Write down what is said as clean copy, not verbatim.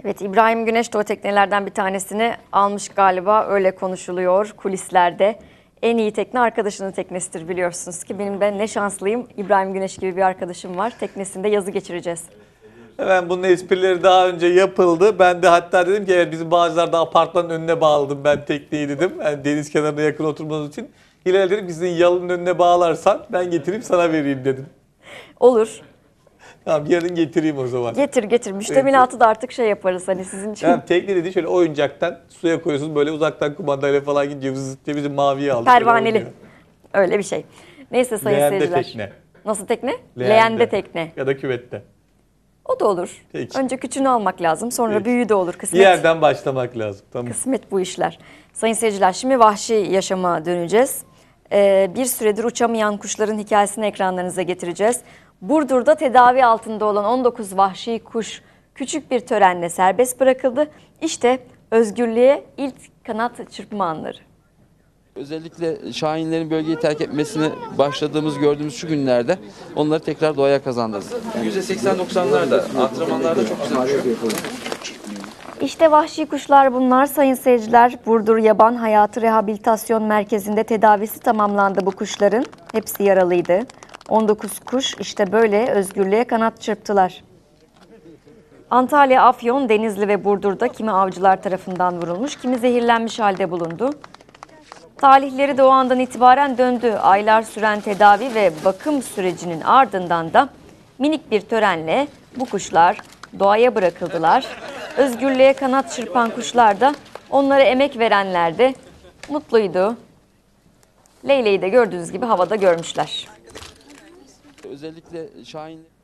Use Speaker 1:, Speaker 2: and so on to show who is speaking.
Speaker 1: Evet, İbrahim Güneş de o teknelerden bir tanesini almış galiba, öyle konuşuluyor kulislerde. En iyi tekne arkadaşının teknesidir, biliyorsunuz ki. Ben ne şanslıyım, İbrahim Güneş gibi bir arkadaşım var. Teknesinde yazı geçireceğiz.
Speaker 2: Hemen bunun esprileri daha önce yapıldı. Ben de hatta dedim ki evet, bizim Bağcılar'da apartmanın önüne bağladım ben tekneyi dedim. Yani deniz kenarına yakın oturmanız için. Hilal dedim ki sizin yalının önüne bağlarsan ben getirip sana vereyim dedim.
Speaker 1: Olur.
Speaker 2: Tamam, yarın getireyim o zaman.
Speaker 1: Getir. Müştemilatı da artık şey yaparız hani sizin için.
Speaker 2: Yani tekne dedi şöyle oyuncaktan suya koyuyorsunuz, böyle uzaktan kumandayla falan gidiyor. Zıt diye bizim maviyi aldık.
Speaker 1: Pervaneli. Öyle bir şey. Neyse sayın
Speaker 2: Leğende
Speaker 1: seyirciler.
Speaker 2: tekne.
Speaker 1: Nasıl tekne? Leğende tekne.
Speaker 2: Ya da küvette.
Speaker 1: O da olur.
Speaker 2: Peki.
Speaker 1: Önce küçüğünü almak lazım, sonra
Speaker 2: Peki.
Speaker 1: büyüğü de olur.
Speaker 2: Bir
Speaker 1: Kısmet.
Speaker 2: yerden başlamak lazım. Tamam.
Speaker 1: Kısmet bu işler. Sayın seyirciler, şimdi vahşi yaşama döneceğiz. Bir süredir uçamayan kuşların hikayesini ekranlarınıza getireceğiz. Burdur'da tedavi altında olan 19 vahşi kuş küçük bir törenle serbest bırakıldı. İşte özgürlüğe ilk kanat çırpma anları.
Speaker 3: Özellikle şahinlerin bölgeyi terk etmesini gördüğümüz şu günlerde onları tekrar doğaya kazandırdık. %80-90'larda, antrenmanlarda çok güzel uçuyor.
Speaker 1: İşte vahşi kuşlar bunlar sayın seyirciler. Burdur Yaban Hayatı Rehabilitasyon Merkezi'nde tedavisi tamamlandı bu kuşların. Hepsi yaralıydı. 19 kuş işte böyle özgürlüğe kanat çırptılar. Antalya, Afyon, Denizli ve Burdur'da kimi avcılar tarafından vurulmuş, kimi zehirlenmiş halde bulundu. Talihleri de o andan itibaren döndü. Aylar süren tedavi ve bakım sürecinin ardından da minik bir törenle bu kuşlar doğaya bırakıldılar. Özgürlüğe kanat çırpan kuşlar da, onlara emek verenler de mutluydu. Leyleği de gördüğünüz gibi havada görmüşler.
Speaker 3: Özellikle şahinler...